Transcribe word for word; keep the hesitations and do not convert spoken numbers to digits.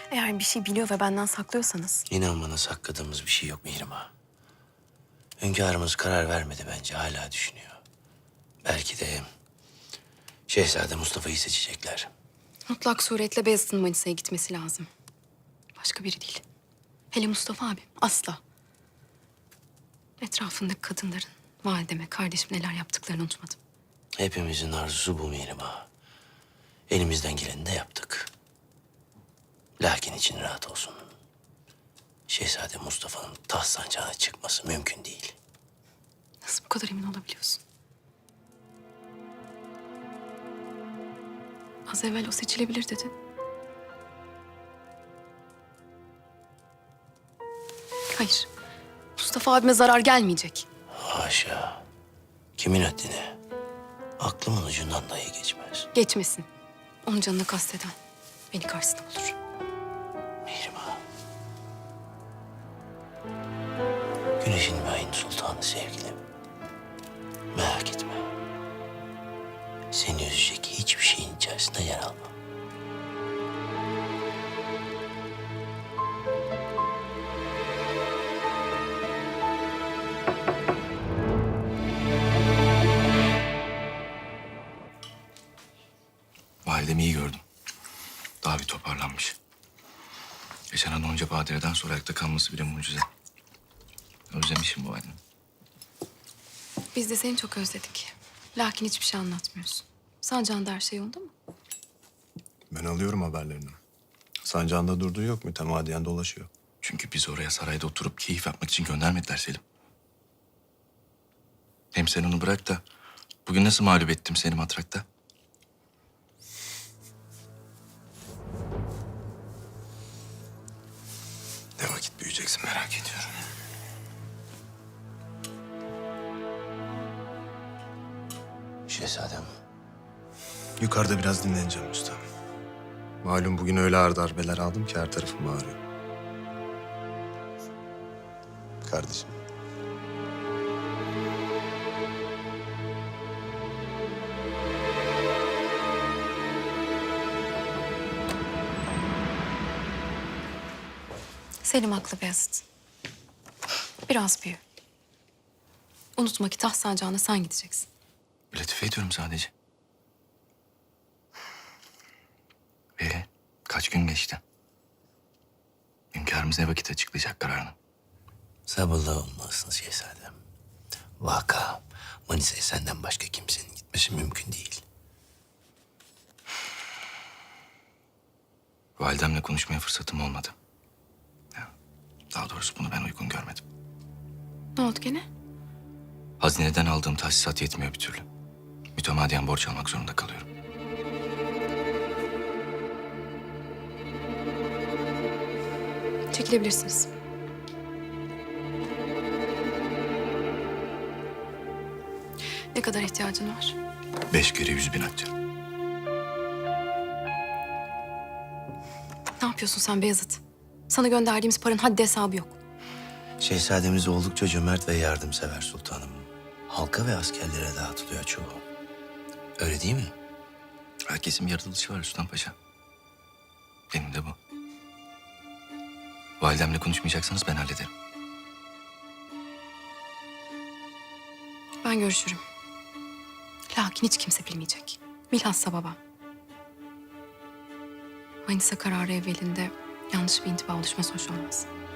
Eğer bir şey biliyor ve benden saklıyorsanız... İnan bana sakladığımız bir şey yok Mihrimah. Hünkârımız karar vermedi bence, hala düşünüyor. Belki de Şehzade Mustafa'yı seçecekler. Mutlak suretle Beyazıt'ın Manisa'ya gitmesi lazım. Başka biri değil. Hele Mustafa abi asla. Etrafındaki kadınların valideme, kardeşim neler yaptıklarını unutmadım. Hepimizin arzusu bu Mihrimah. Elimizden geleni de yaptık. Lakin için rahat olsun. Şehzade Mustafa'nın taht sancağına çıkması mümkün değil. Nasıl bu kadar emin olabiliyorsun? Az evvel o seçilebilir dedin. Hayır. Mustafa abime zarar gelmeyecek. Haşa. Kimin haddine? Aklımın ucundan dahi geçmez. Geçmesin. Onun canını kasteden beni karşısına bulur. Mihrimah. Güneşin ve ayın sultanı sevgilim. Merak etme. Seni üzecek hiçbir şeyin içerisinde yer almam. Validemi iyi gördüm. Daha bir toparlanmış. Yaşanan onca badireden sonra ayakta kalması bile mucize. Özlemişim bu halini. Biz de seni çok özledik. Lakin hiçbir şey anlatmıyorsun. Sancağında her şey yolunda mı? Ben alıyorum haberlerini. Sancağında durduğu yok, mütemadiyen dolaşıyor. Çünkü biz oraya sarayda oturup keyif yapmak için göndermediler Selim. Hem sen onu bırak da bugün nasıl mağlup ettim seni matrakta? Ne vakit büyüyeceksin merak ediyorum. Şehzadem. Yukarıda biraz dinleneceğim usta. Malum bugün öyle ağır darbeler aldım ki her tarafım ağrıyor. Kardeşim. Selim haklı Beyazıt. Biraz büyü. Unutma ki taht sancağına sen gideceksin. Latife ediyorum sadece. Ve kaç gün geçti? Hünkârımız ne vakit açıklayacak kararını? Sabırlı olmalısın şehzadem. Vaka, Manisa'ya senden başka kimsenin gitmesi mümkün değil. Validemle konuşmaya fırsatım olmadı. Ya, daha doğrusu bunu ben uygun görmedim. Ne oldu gene? Hazineden aldığım tahsisat yetmiyor bir türlü. Mütemadiyen borç almak zorunda kalıyorum. Çekilebilirsiniz. Ne kadar ihtiyacın var? Beş kere yüz bin akçe. Ne yapıyorsun sen Beyazıt? Sana gönderdiğimiz paranın haddi hesabı yok. Şehzademiz oldukça cömert ve yardımsever sultanım. Halka ve askerlere dağıtılıyor çoğu. Öyle değil mi? Herkesin bir yaratılışı var Sultan Paşa. Benim de bu. Validemle konuşmayacaksanız ben hallederim. Ben görüşürüm. Lakin hiç kimse bilmeyecek. Bilhassa babam. Manisa kararı evvelinde yanlış bir intiba oluşması hoş olmaz.